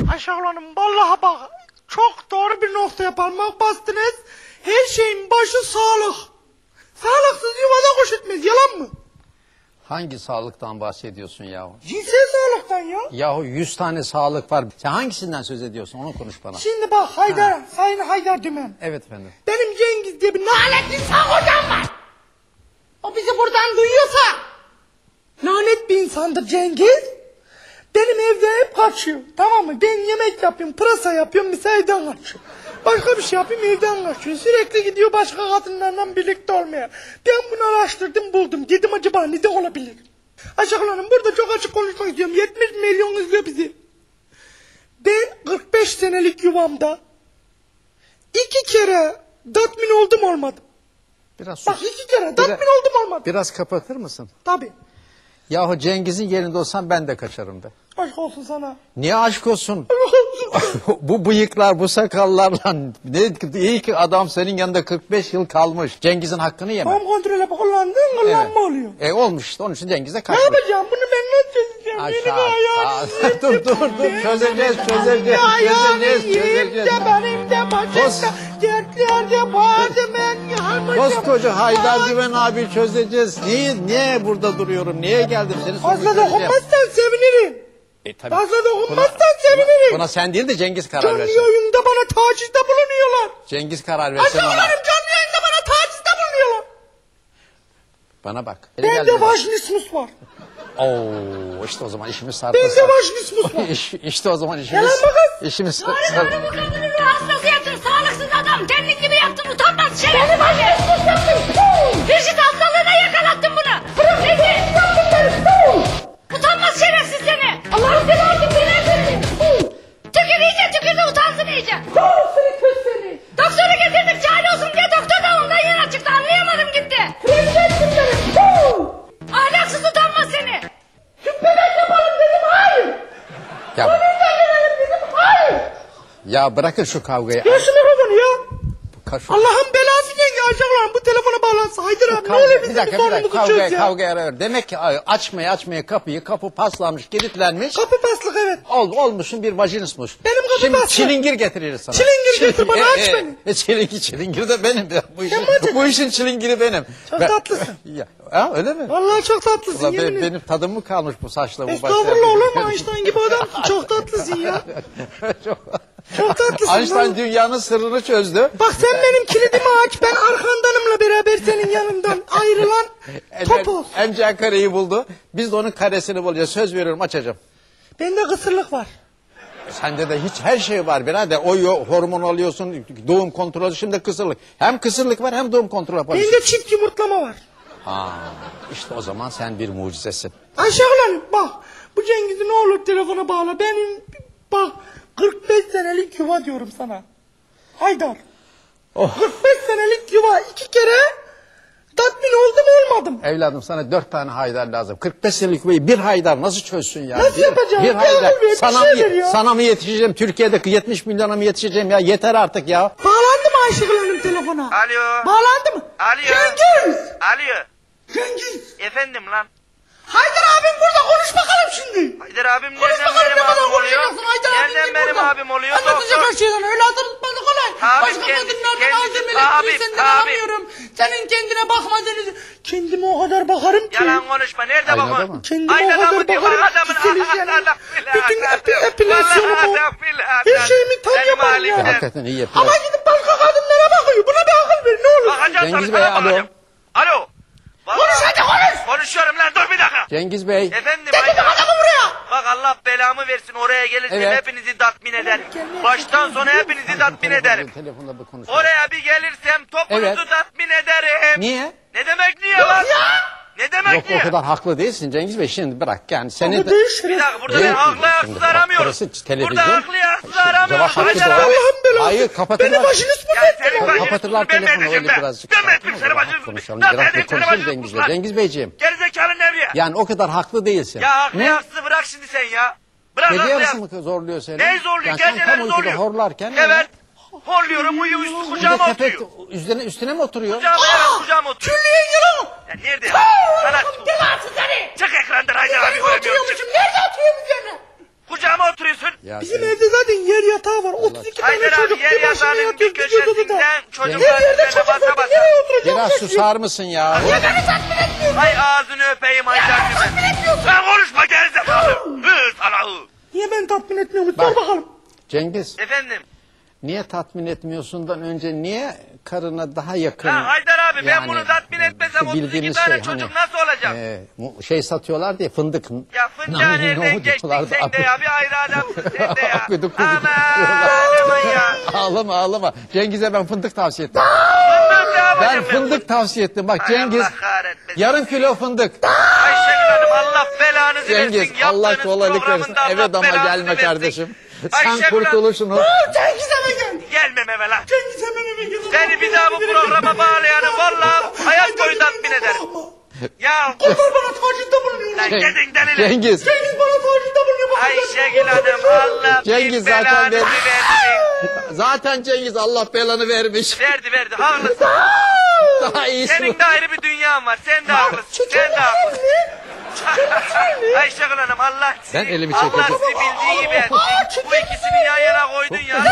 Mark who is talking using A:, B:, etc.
A: Ayşegül Hanım vallahi bak çok doğru bir noktaya parmak bastınız. Her şeyin başı sağlık. Sağlıksız yuvada kuş etmez, yalan mı?
B: Hangi sağlıktan bahsediyorsun yahu?
A: Cinsel sağlıktan ya.
B: Yahu 100 tane sağlık var. Sen hangisinden söz ediyorsun? Onu konuş bana.
A: Şimdi bak Haydar, Sayın Haydar Dümen.
B: Evet efendim.
A: Benim Cengiz diye bir lanet insan hocam var. O bizi buradan duyuyorsa lanet bir insandır Cengiz. Benim evde hep kaçıyor, tamam mı? Ben yemek yapıyorum, pırasa yapıyorum, mesela evden kaçıyor. Başka bir şey yapayım, evden kaçıyor. Sürekli gidiyor başka kadınlarla birlikte olmaya. Ben bunu araştırdım, buldum. Dedim acaba neden olabilir? Ayşegül Hanım burada çok açık konuşmak istiyorum. 70 milyon izliyor bizi. Ben 45 senelik yuvamda 2 kere tatmin oldum olmadım.
B: Biraz
A: Bak 2 kere tatmin oldum olmadım.
B: Biraz kapatır mısın?
A: Tabii.
B: Yahu Cengiz'in yerinde olsam ben de kaçarım be.
A: Aşk olsun sana.
B: Niye aşk olsun? Bu bıyıklar, bu sakallarla ne iyi ki adam senin yanında 45 yıl kalmış. Cengiz'in hakkını yeme.
A: Tam kontrole kullandığın kullanma oluyor.
B: Olmuş işte onun için Cengiz'e
A: Ne
B: kaçmış.
A: yapacağım bunu ben nasıl çözeceğim? Benim
B: Dur çözeceğiz.
A: De benim de başımda dertlerde bağırdım ben yalmışım.
B: Koskoca Haydar Dümen abi çözeceğiz. Niye burada duruyorum? Niye geldim seni?
A: Fazla dokunmazsan sevinirim.
B: Tabii.
A: Fazla dokunmazsan sevinirim.
B: Buna sen değil de Cengiz karar
A: Canlı
B: versin.
A: yayında bana tacizde bulunuyorlar.
B: Cengiz karar versin ona.
A: Canlı yayında bana tacizde bulunuyorlar.
B: Bana bak.
A: Bende vajinismus var.
B: Oo, işte o zaman işimiz sardı.
A: Bende vajinismus var.
B: İşte o zaman işimiz.
A: Yalan mı kız?
B: İşimiz sardı.
C: Doğru bu kadını bir hastası yaptın, sağlıksız adam. Kendin gibi yaptın, utanmaz şerefsiz.
A: Benim vajinismus yaptım.
C: Reşit hastalığına yakalattın bunu.
A: Bırak beni. Yaptım beni.
C: Utanmaz şerefsiz seni.
A: Allah'ım seni artık neler verin.
C: Tükür iyice tükür de utansın iyice.
A: Seni kız seni.
C: Doktoru getirdik cahil olsun diye doktor da ondan yana çıktı, anlayamadım gitti.
A: Kremlensin beni.
C: Ahlaksız utanmaz seni.
A: Bebek yapalım dedim, hayır.
B: Ya,
A: Evlenelim dedim, hayır.
B: ya bırakın şu kavgayı.
A: Ya şunu kadar ya.
B: Kaş-
A: Allah'ın belası yenge Ayşegül bu telefona bağlansa. Haydar abi ne olur bizim
B: bir
A: sorunumuzu
B: dakika
A: çöz ya.
B: kavgaya ara ver. Demek ki açmaya kapı paslanmış, kilitlenmiş.
A: Kapı paslık evet.
B: Olmuşsun bir vajinismus.
A: Benim kapı
B: Şimdi
A: paslı.
B: çilingir getiririz sana.
A: Çilingir getir bana, aç beni.
B: Çilingir de benim. Bu işin çilingiri benim.
A: Çok tatlısın.
B: Ya, öyle mi?
A: Vallahi çok tatlısın
B: Ulan
A: yemin ederim.
B: benim tadım mı kalmış bu saçla bu başla?
A: Estağfurullah olur mu Einstein gibi adamsın. Çok tatlısın ya. Çok tatlısın.
B: Einstein dünyanın sırrını çözdü.
A: Bak sen benim kilidimi aç. Ben arkandanımla beraber senin yanından ayrılan topuz.
B: MC kareyi buldu. Biz de onun karesini bulacağız. Söz veriyorum açacağım.
A: Bende kısırlık var.
B: Sende de hiç her şey var birader. Hormon alıyorsun, doğum kontrolü, şimdi kısırlık. Hem kısırlık var hem doğum kontrolü yapıyorsun.
A: Bende çift yumurtlama var.
B: İşte o zaman sen bir mucizesin.
A: Ayşegül Hanım bak. Bu Cengiz'i ne olur telefona bağla. Benim bak 45 senelik yuva diyorum sana. Haydar. 45 senelik yuva 2 kere tatmin oldum olmadım.
B: Evladım sana 4 tane Haydar lazım. 45 senelik yuvayı bir Haydar nasıl çözsün ya?
A: Nasıl yapacağım?
B: Bir Haydar.
A: Bir şey ver ya.
B: Sana mı yetişeceğim? Türkiye'deki 70 milyona mı yetişeceğim ya? Yeter artık ya.
A: Bağlandı mı Ayşegül Hanım telefona?
D: Alo.
A: Bağlandı mı?
D: Alo.
A: Cengiz.
D: Alo.
A: Cengiz.
D: Efendim lan.
A: Haydar abim burada, konuş bakalım şimdi.
D: Haydar abim
A: Konuş
D: nereden
A: bakalım,
D: benim
A: ne kadar
D: abim oluyor?
A: konuşacaksın Haydar abim
D: Nereden
A: değil
D: benim
A: burada.
D: abim oluyor?
A: Anlatacak her
D: Doktor.
A: şeyden öyle hatırlatmadı kolay.
D: Abim
A: Başka
D: kendisi,
A: kadınlardan
D: kendisi,
A: aldığım elektriği
D: abim,
A: senden
D: abim.
A: alamıyorum. Senin kendine bakmadığını... Kendime o kadar bakarım ki.
D: Yalan konuşma. Nerede
B: Aynada
D: bakalım?
B: mı?
A: Kendime o
D: Aynada
A: kadar
D: mı diyor?
A: bakarım
D: Adamın
A: ki senin yanına. Bütün epilasyonumu, her şeyimi tam yaparım ya.
B: Hakikaten iyi yapıyor.
A: Ama gidip başka kadınlara bakıyor. Buna bir akıl ver ne olur.
D: Bakacağım
B: Cengiz
D: tabii,
B: Bey,
D: sana
B: alo.
D: bakacağım. Alo.
A: Konuş hadi konuş.
D: Konuşuyorum lan, dur bir dakika.
B: Cengiz Bey.
D: Efendim
A: Getirdim
D: Haydar.
A: adamı buraya.
D: Bak Allah belamı versin, oraya gelirsem
B: Evet.
D: hepinizi tatmin ederim. Baştan sona hepinizi tatmin ederim.
B: Telefonda bir konuşalım.
D: Oraya bir gelirsem topunuzu
B: Evet.
D: tatmin ederim.
B: Niye?
D: Ne demek niye lan? Ne demek
B: Yok
D: niye?
B: o kadar haklı değilsin Cengiz Bey, şimdi bırak yani seni
A: Bu değil
D: Bir
A: şeref.
D: dakika, burada
B: Evet,
D: ben haklı haksız
B: şimdi
D: aramıyorum.
B: burası televizyon.
D: Burada haklı haksız aramıyorum.
B: Cevap hakkı
D: Haydar
B: doğru.
D: abi.
A: Allah'ın belası.
B: Hayır, kapatırlar.
A: Benim başınız mı
D: Ya senin başını
B: Kapatırlar
D: tuttum, ben
B: telefonu
D: edeceğim
B: öyle
D: ben.
B: birazcık.
D: Ben ettim seni başını
B: Konuşalım.
D: Lan
B: Biraz
D: ben
B: bir
D: ettim seni
B: konuşalım
D: başını
B: Cengiz
D: tuttum
B: Bey.
D: lan.
B: Cengiz Beyciğim.
D: Gerizekalı Nevriye.
B: Yani o kadar haklı değilsin.
D: Ya haklı
B: Ne?
D: haksız bırak şimdi sen ya. Bırak
B: Gece
D: haklı
B: yarısı
D: haksız.
B: mı zorluyor seni?
D: Neyi zorluyor?
B: Yani sen
D: Geceleri
B: tam uykuda
D: zorluyor.
B: horlarken.
D: Evet. Horluyorum, uyuyor üstü
B: Bir de
D: kucağıma
B: tepek
D: oturuyor.
B: üstüne mi oturuyor?
D: Kucağıma, evet, kucağıma oturuyor.
A: Külliyen yılan.
D: Ya nerede ya? Sana
A: Gebersin seni.
D: çık ekrandan Haydar abi göremiyorum. Çık.
A: Oturuyormuşum. Nerede oturuyormuş yerine?
D: Kucağıma oturuyorsun.
B: Ya
A: Bizim
B: sen-
A: evde zaten yer yatağı var. 32 tane
D: Haydar
A: çocuk
D: abi yer
A: bir başına
D: yatağının bir
A: yatıyor. Gidiyoruz odada.
D: köşesinden çocuklar
A: Her yerde
D: üzerine
A: çocuk
D: basa
A: var.
D: basa.
A: Nereye oturacağım?
B: Biraz susar mısın ya?
D: Ay ağzını öpeyim Haydar abi. Sen konuşma gerizekalı. Hı sana hı.
A: Niye ben tatmin etmiyorum?
B: Bak.
A: Sor bakalım.
B: Cengiz,
D: Efendim.
B: niye tatmin etmiyorsundan önce niye karına daha yakın?
D: Ha Haydar abi ben
B: Yani,
D: bunu tatmin etmesem
B: şu
D: 32
B: bildiğimiz
D: tane
B: şey,
D: çocuk
B: hani,
D: nasıl olacak?
B: Şey satıyorlar diye fındık.
D: Ya fındığa
B: Nane
D: nereden
B: nohut
D: geçtin
B: diyorlardı.
D: sen de ya? Bir ayrı adamsın sen de ya.
B: Akıdık
D: Aman aman ya.
B: Ağlama ağlama. Cengiz'e ben fındık tavsiye ettim.
D: Fındık ne yapacağım
B: Ben fındık tavsiye ettim. Bak
D: Ay
B: Cengiz
D: Allah kahretmesin.
B: yarım kilo fındık.
D: Ayşegül Hanım Allah belanızı
B: Cengiz
D: versin.
B: Allah
D: Yaptığınız
B: kolaylık versin.
D: programında Allah
B: Evet ama
D: belanızı
B: gelme
D: versin.
B: kardeşim.
D: Ayşegül
B: Sen
D: Hanım-
B: kurtuluşunu.
A: Cengiz eve gel.
D: Gelmem eve lan.
A: Cengiz hemen eve gel.
D: Seni bir daha bu programa bağlayanı valla hayat boyu tatmin ederim. Ya
A: Kurtar bana tacizde bulunuyor.
D: lan dedin deliler.
B: Cengiz.
A: Cengiz bana tacizde bulunuyor. Bak,
D: Ayşegül Hanım Allah
B: Cengiz
D: bir
B: zaten
D: belanızı
B: ben-
D: versin.
B: Zaten Cengiz Allah belanı vermiş.
D: Verdi haklısın.
B: Daha iyisi.
D: Senin de ayrı bir dünyan var. Sen de haklısın. Sen de haklısın. Ayşegül Hanım Allah
B: Ben elimi
D: Allah
B: çekeceğim.
D: sizi bildiği gibi etsin. Bu ikisini yan yana koydun ya.